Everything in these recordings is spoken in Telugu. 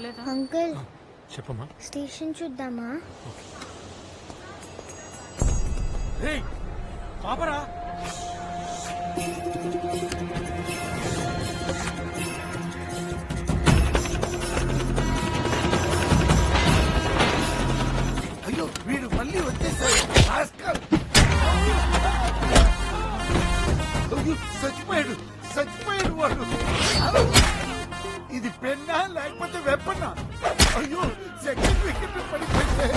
పర్లేదా? అంకుల్ చెప్పమ్మా. స్టేషన్ చూద్దామా? పాపరా అయ్యో వీడు మళ్ళీ వచ్చేసాడు. చచ్చిపోయాడు చచ్చిపోయాడు వాడు. ఇది పెన్నా లేకపోతే వెప్పన్నా? అయ్యో సెకండ్ వికెట్ పడిపోయింది.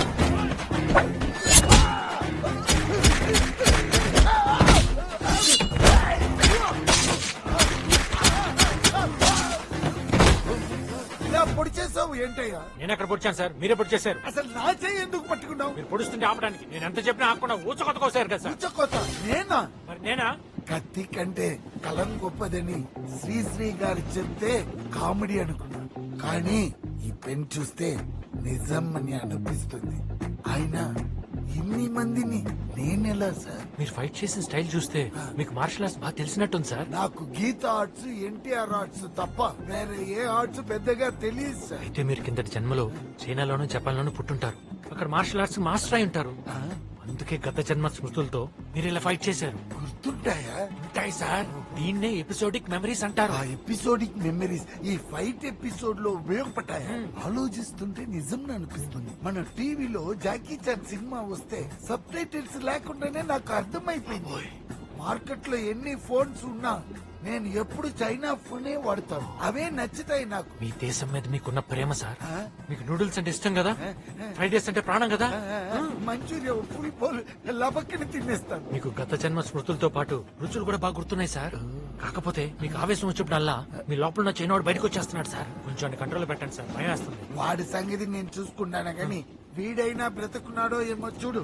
ఇలా పొడి చేసావు ఏంటయ్యా? నేను ఎక్కడ పొడిచాను సార్, మీరే పొడి చేశారు. అసలు నా చెయ్యి ఎందుకు పట్టుకున్నావు? మీరు పొడుస్తుంటే ఆపడానికి నేను ఎంత చెప్పినా ఆపకుండా ఊచకొత్త కోసారు కదా సార్. ఉచ్చకోత నేనా? మరి నేనా? కత్తి కంటే కలం గొప్పదని శ్రీశ్రీ గారు చెప్తే కామెడీ అనుకున్నా, కానీ ఈ పెన్ చూస్తే నిజం అని అనిపిస్తుంది. ఆయన ఇన్ని మందిని నేనెలా సార్? మీరు ఫైట్ చేసిన స్టైల్ చూస్తే మీకు మార్షల్ ఆర్ట్స్ బాగా తెలిసినట్టుంది సార్. నాకు గీత ఆర్ట్స్ ఎన్టీఆర్ ఆర్ట్స్ తప్ప వేరే ఏ ఆర్ట్స్ పెద్దగా తెలియదు సార్. అయితే మీరు కిందటి జన్మలో చైనాలోనూ జపాన్లోనూ పుట్టుంటారు. అక్కడ మార్షల్ ఆర్ట్స్ మాస్టర్ అయి ఉంటారు. అందుకే గత జన్మ స్మృతులతో మీరు ఇలా ఫైట్ చేశారు. గుర్తుంటాయా? ఉంటాయి సార్. దీన్నే ఎపిసోడిక్ మెమరీస్ అంటారు. ఆ ఎపిసోడిక్ మెమరీస్ ఈ ఫైట్ ఎపిసోడ్ లో ఉపయోగపడ్డాయా? ఆలోచిస్తుంటే నిజం అనిపిస్తుంది. మన టీవీలో జాకీ చాన్ సినిమా వస్తే సబ్ టైటిల్స్ లేకుండానే నాకు అర్థమైపోయింది. మార్కెట్ లో ఎన్ని ఫోన్స్ ఉన్నా నేను ఎప్పుడు చైనా ఫోనే వాడతాను. అవే నచ్చుతాయి నాకు. మీ దేశం మీద మీకున్న ప్రేమ సార్. ఆ? మీకు నూడిల్స్ అంటే ఇష్టం కదా, ఫ్రైడ్ రైస్ అంటే ప్రాణం కదా. మంచూరియా ఫుల్ పోల్ లబక్కని తినేస్తాను. మీకు గత జన్మ స్మృతులతో పాటు రుచులు కూడా బాగా గుర్తున్నాయి సార్. కాకపోతే మీకు ఆవేశం వచ్చినప్పుడల్లా మీ లోపల ఉన్న చైనాడు బయటకు వచ్చేస్తున్నాడు సార్. కొంచెం కంట్రోల్ పెట్టండి సార్, భయం వేస్తుంది. వాడి సంగతి నేను చూసుకున్నాను గాని వీడైనా బ్రతుకున్నాడో ఏమో చూడు.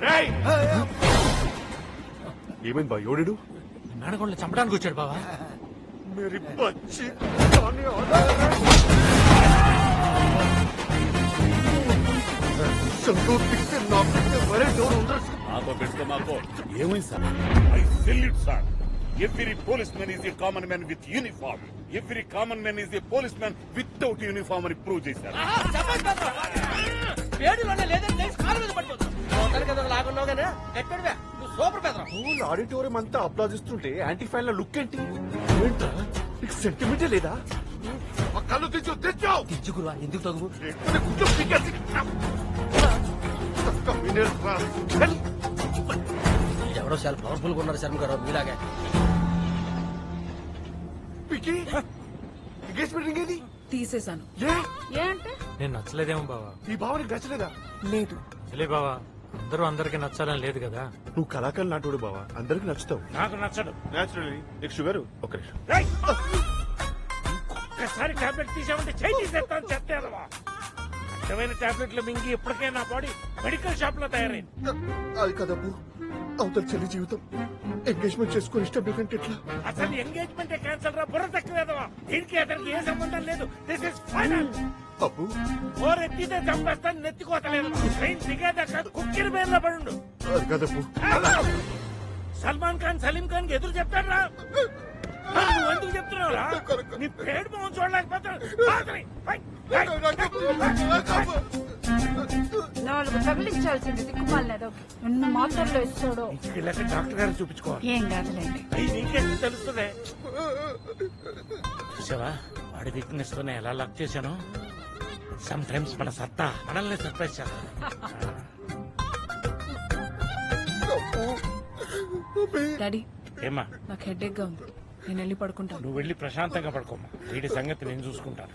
ఏమైంది బా ఎవడు? మేనగొండలు చంపడానికి వచ్చాడు బావా. मेरी बच्ची I salute, sir. Every policeman is a common man with uniform. Every common man is a policeman without uniform అని ప్రూవ్ చేశారు. ఆడిటోరియం అంతా అప్లాదిస్తుంటే యాంటీ ఫ్యాన్ లుక్ ఏంటి? నీకు సెంటిమెంటే లేదా? ఆ కళ్ళు తెచ్చావు తెచ్చుకురా, ఎందుకు తగు? ఎవడో చాలా పవర్ఫుల్ గా ఉన్నారు శర్మ గారు మీలాగే. ఎంగేజ్మెంట్ ఏది? తీసేశాను. ఏ అంటే నేను నచ్చలేదేమో బావా. ఈ భావనకి నచ్చలేదా? లేదు. తెలియ బావా, అందరూ అందరికి నచ్చాలని లేదు కదా. నువ్వు కళాకారులు నాటోడు బావా, అందరికి నచ్చుతావు. నాకు నచ్చడు. నేచురల్లీ నీకు షుగర్ ఒక నిమిషం. ఒక్కసారి టాబ్లెట్ తీసామంటే చేయి తీసేస్తాను. చెప్తావా అర్థమైన టాబ్లెట్లు మింగి ఇప్పటికే నా బాడీ మెడికల్ షాప్ లో తయారైంది. అది కదబ్బు, అవతల చెల్లి జీవితం ఎంగేజ్మెంట్ చేసుకుని ఇష్టం లేదంటే ఎట్లా? అసలు ఎంగేజ్మెంట్ క్యాన్సల్ రా, బుర్ర తక్కువేదవా. దీనికి అతనికి ఏ సంబంధం లేదు. This is final. అబ్బు ఓర్ ఎత్తితే చంపేస్తాను, నెత్తికోతలేదు. ట్రైన్ దిగేదాకా కుక్కిరి బేర్లో పడుండు. అది కదబ్బు. సల్మాన్ ఖాన్ సలీం ఖాన్ కి ఎదురు చెప్తాడు రా. నువ్వు ఎందుకు చెప్తున్నావు రా? నీ పేరు మొహం చూడలేకపోతాడు. నాలుగు తగిలించాల్సింది దిక్కుమాలనేదో ఎన్ని మాత్రల్లో ఇస్తాడో. డాక్టర్ గారు చూపించుకోవాలి. ఏం కాదులేండి. నీకేం తెలుస్తుంది? చూసావా వాడి వీక్నెస్ తోనే ఎలా లక్ చేశాను. సమ్ టైమ్స్ మన సత్తా మనల్ని సర్ప్రైజ్ చేస్తాను. డాడీ ఏమా నాకు హెడేక్ గా ఉంది, నేను వెళ్ళి పడుకుంటాను. నువ్వు వెళ్ళి ప్రశాంతంగా పడుకోమ్మా. వీడి సంగతి నేను చూసుకుంటాను.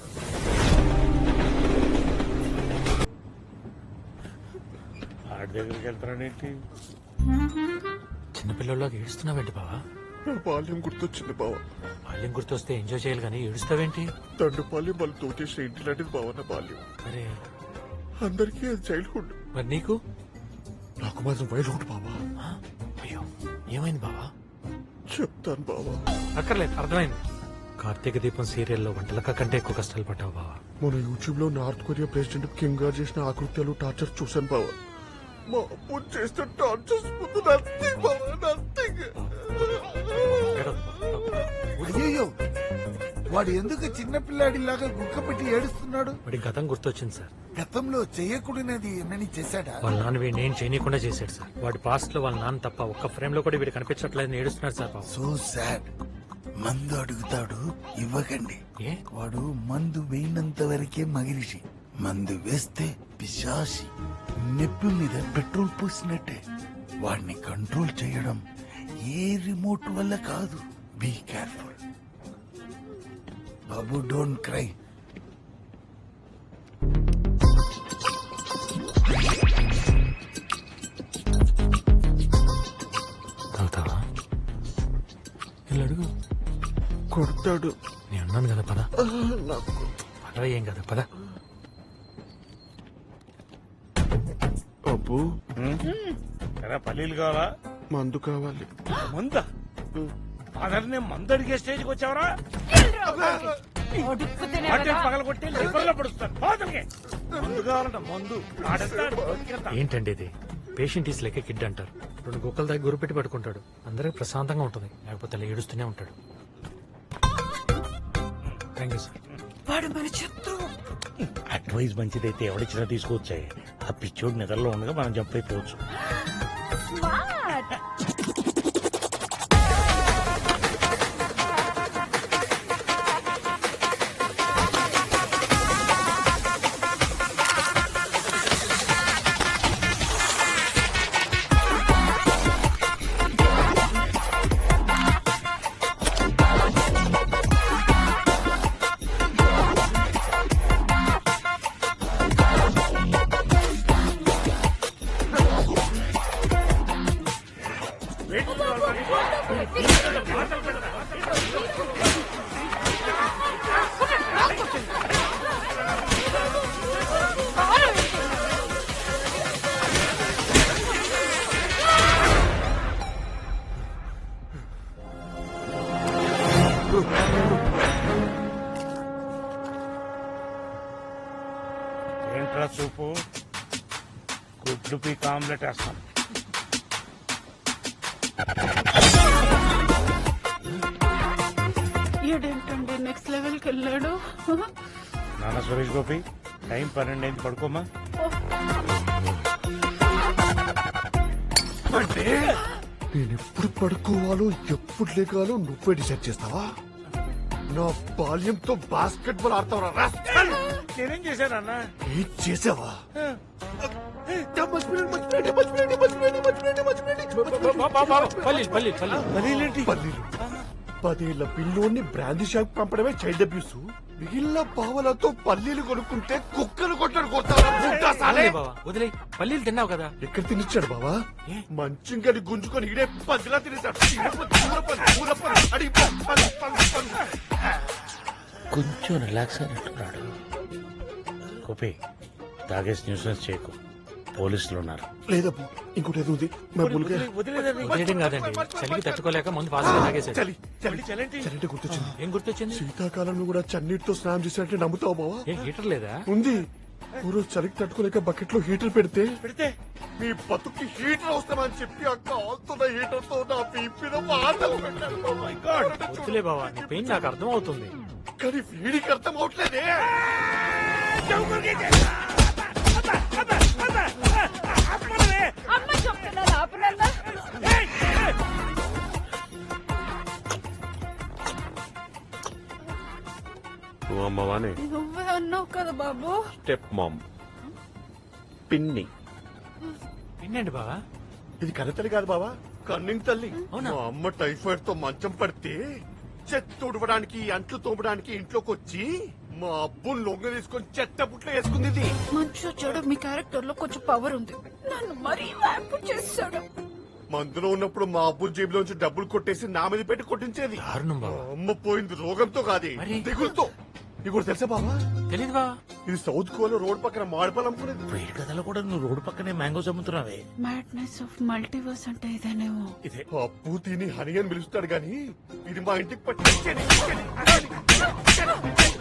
ఆడి దగ్గరికి వెళ్తానేంటి? చిన్నపిల్లల్లోకి ఏడుస్తున్నావేంటి బావా? నా బాల్యం గుర్తొచ్చింది బావా. బాల్యం గుర్తొస్తే ఎంజాయ్ చేయాలి కానీ ఏడుస్తావేంటి? తండ్రి బాల్యం వాళ్ళు తోచేసిన ఇంటి లాంటిది బావా నా బాల్యం. అరే అందరికీ అది చైల్డ్హుడ్, మరి నీకు? నాకు మాత్రం వైల్డ్హుడ్ బావా. ఆ? అయ్యో ఏమైంది బావా? చెప్తాను బావా. అక్కర్లేదు, అర్థమైంది. కార్తీక దీపం సీరియల్లో వంటలక కంటే ఎక్కువ కష్టాలు పడ్డావు బావా. మన యూట్యూబ్ లో నార్త్ కొరియా ప్రెసిడెంట్ కిమ్ గారు చేసిన ఆకృత్యాలు టార్చర్ చూశాను బావా. మా అప్పు చేసిన టార్చర్స్ ముందు నథింగ్ బావా, నథింగ్. అయ్యో వాడు ఎందుకు చిన్నపిల్లాడిలాగా గుక్క పెట్టి ఏడుస్తున్నాడు? వాడి గతం గుర్తొచ్చింది సార్. గతంలో చేయకూడనిది ఏమని చేశాడా? వాళ్ళ నాన్న వీడిని ఏం చేయనీయకుండా చేశాడు సార్. వాడి పాస్ట్ లో వాళ్ళ నాన్న తప్ప ఒక్క ఫ్రేమ్ లో కూడా వీడు కనిపించట్లేదని ఏడుస్తున్నాడు సార్ పాపం. So sad. మందు అడుగుతాడు, ఇవ్వకండి. ఏ? వాడు మందు వేయినంత వరకే మగిరిషి, మందు వేస్తే పిశాసి. నెప్పి మీద పెట్రోల్ పోసినట్టే. వాడిని కంట్రోల్ చేయడం ఏ రిమోట్ వల్ల కాదు. బీ కేర్ఫుల్ బాబు, డోంట్ క్రై. తాగుతావా? వీళ్ళు అడుగు. కొడతాడు. నేను అన్నాను కదా పద. పదవ ఏం కదా పద. అబ్బు ఎరా పల్లీలు కావాలా? మందు కావాలి. మందా? ఫాదర్నే మందు అడిగే స్టేజ్కి వచ్చావరా? అడుక్కుతేనే వాటిని కదా. పగలగొట్టి లివర్లో పడుస్తాను. ఫాదర్కి మందు కావాలంట, మందు ఆడేస్తాడు. ఏంటండి ఇది? పేషెంట్ ఈస్ లెక్క కిడ్ అంటారు. రెండు కుక్కల దగ్గర గురి పెట్టి పడుకుంటాడు. అందరికి ప్రశాంతంగా ఉంటుంది, లేకపోతే అలా ఏడుస్తూనే ఉంటాడు. Thank you sir. వాడు మన శత్రువు. అడ్వైస్ మంచిదైతే ఎవడిచ్చినా తీసుకొచ్చాయి. ఆ పిచ్చోడు నిద్రలో ఉండగా మనం జంప్ అయిపోవచ్చు. స్మార్ట్. ఏంట్రా సూపు? గుడ్లు పీక్ ఆమ్లెట్ వేస్తాం. ఏంటండి నెక్స్ట్ లెవెల్ కి వెళ్ళాడు. నాన్న సురేష్ గోపి, టైం 12 అయింది, పడుకోమా. అంటే నేను ఎప్పుడు పడుకోవాలో ఎప్పుడు లేకాలో నువ్వే డిసైడ్ చేస్తావా? నా బాల్యంతో బాస్కెట్ బాల్ ఆడతావరా? నేనేం చేశానన్న? ఏం చేసావా? పల్లీలు పల్లీలు పల్లీలు. పల్లీలు 10 ఏళ్ల పిల్లోని బ్రాందీ షాప్ పంపడమే చైల్డ్ అబ్యూస్. మిగిలిన పావలతో పల్లీలు కొనుక్కుంటే కుక్కలు కొట్టడు కొడతావా? వదిలే బావా, వదిలే. పల్లీలు తిన్నావు కదా. ఎక్కడ తినిచ్చాడు బావా? మంచింగని గుంజుకొని ఈడే పదిలా తినేశాడు. కొంచెం రిలాక్స్ అయినట్టున్నాడు. గోపి, తాగేసి న్యూసెన్స్ చేయకు, పోలీసులు ఉన్నారు. లేదబ్బు, ఇంకోటి ఏదో ఉంది. వదిలేయడం కాదండి, చలికి తట్టుకోలేక ముందు ఫాస్ట్గా తాగేశాడు. చలి చలి చలి గుర్తొచ్చింది. ఏం గుర్తొచ్చింది? శీతాకాలంలో కూడా చన్నీటితో స్నానం చేసినట్టే నమ్ముతావు బావా? ఏ హీటర్ లేదా? ఉంది. ఊరు చలికి తట్టుకోలేక బకెట్ లో హీటర్ పెడితే పెడితే మీ బతుకి హీటర్ అవసరమని చెప్పి ఆ కాల్తున్న హీటర్ తో నా పీపీన వాతలు పెట్టాడు. Oh my God. వద్దులే బావా, నీ పెయిన్ నాకు అర్థం అవుతుంది. కానీ వీడికి అర్థం అవట్లేదే. అమ్మ చెప్తున్నారు ఆపనన్నా. నువ్వు అమ్మవానే నువ్వే అన్నావు కదా బాబు. స్టెప్ మామ్ పిన్ని. ఏంటండి బావా? ఇది కన్నతల్లి కాదు బావా, కన్నింగ్ తల్లి. అవునా? మా అమ్మ టైఫాయిడ్ తో మంచం పడితే చెత్త తుడవడానికి అంట్లు తోమడానికి ఇంట్లోకి వచ్చి మా అబ్బుని లొంగ తీసుకొని చెత్త పుట్లో వేసుకుంది ఇది. మంచు చెడు మీ క్యారెక్టర్ లో కొంచెం పవర్ ఉంది. నన్ను మరీ వ్యాంపు చేశాడు. మందులో ఉన్నప్పుడు మా అబ్బు జేబులోంచి డబ్బులు కొట్టేసి నా మీద పెట్టి కొట్టించేది. దారుణం మా బావా. అమ్మ పోయింది రోగంతో కాదు, మరి? దిగులతో. నీకు కూడా తెలుసా బావా? తెలీదు బావా. ఇది సౌత్ గోవాలో రోడ్ పక్కన మాడిపాలు అమ్ముకునేది. వేడి కథలో కూడా నువ్వు రోడ్డు పక్కనే మ్యాంగోస్ అమ్ముతున్నావే. మ్యాడ్నెస్ ఆఫ్ మల్టీవర్స్ అంటే ఇదేనేమో. ఇదే అప్పు తిని హని అని పిలుస్తాడు గాని ఇది మా ఇంటికి పట్టి